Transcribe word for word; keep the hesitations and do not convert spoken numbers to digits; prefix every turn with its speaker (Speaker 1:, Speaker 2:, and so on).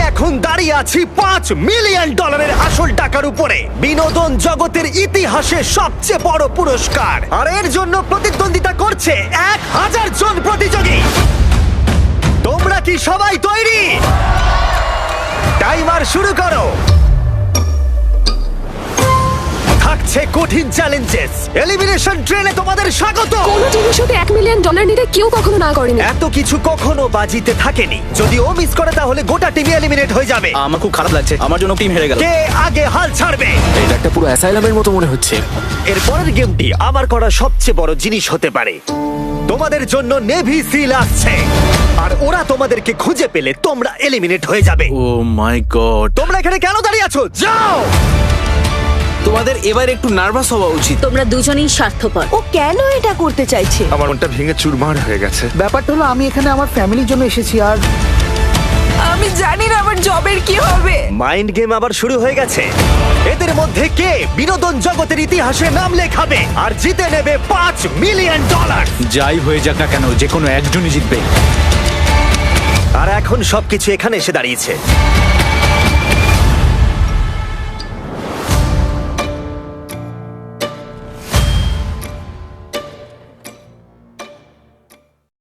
Speaker 1: এখন দাঁড়িয়ে আছি পাঁচ মিলিয়ন ডলারের আসল টাকার উপরে, বিনোদন জগতের ইতিহাসে সবচেয়ে বড় পুরস্কার। আর এর জন্য প্রতিদ্বন্দ্বিতা করছে এক হাজার জন প্রতিযোগী। তোমরা কি সবাই তৈরি? টাইমার শুরু করো। থাকছে কঠিন চ্যালেঞ্জেস, এলিমিনেশন ট্রেনে তোমাদের স্বাগত।
Speaker 2: কোন টিভি শোতে এক মিলিয়ন ডলার নিতে কেউ কখনো না করেনি।
Speaker 1: এত কিছু কখনো বাজিতে থাকেনি। যদি ও মিস করে তাহলে গোটা টিম এলিমিনেট হয়ে যাবে।
Speaker 3: আমার খুব খারাপ লাগছে, আমার জন্য টিম হেরে গেল।
Speaker 1: কে আগে হাল ছাড়বে?
Speaker 4: এটা একটা পুরো অ্যাসাইলামের মতো মনে হচ্ছে।
Speaker 1: এর পরের গেমটি আমার করা সবচেয়ে বড় জিনিস হতে পারে। তোমাদের জন্য নেভি সিল আসছে, আর ওরা তোমাদেরকে খুঁজে পেলে তোমরা এলিমিনেট হয়ে যাবে।
Speaker 4: ও মাই গড,
Speaker 1: তোমরা এখানে কেন দাঁড়িয়ে আছো? যাও!
Speaker 4: তোমাদের এবার একটু নার্ভাস হওয়া উচিত।
Speaker 5: তোমরা দুজনেই স্বার্থপর।
Speaker 6: ও কেন এটা করতে চাইছে?
Speaker 7: আমার মনটা ভেঙে চুরমার হয়ে গেছে।
Speaker 8: ব্যাপারটা হলো আমি এখানে আমার ফ্যামিলির জন্য এসেছি, আর
Speaker 6: আমি জানি না আমার জবের কি হবে।
Speaker 1: মাইন্ড গেম আবার শুরু হয়ে গেছে। এদের মধ্যে কে বিনোদন জগতের ইতিহাসে নাম লেখাবে আর জিতে নেবে পাঁচ মিলিয়ন ডলার?
Speaker 3: যাই হয়ে যাক না কেন, যে কোনো একজনই জিতবে।
Speaker 1: আর এখন সবকিছু এখানে এসে দাঁড়িয়েছে।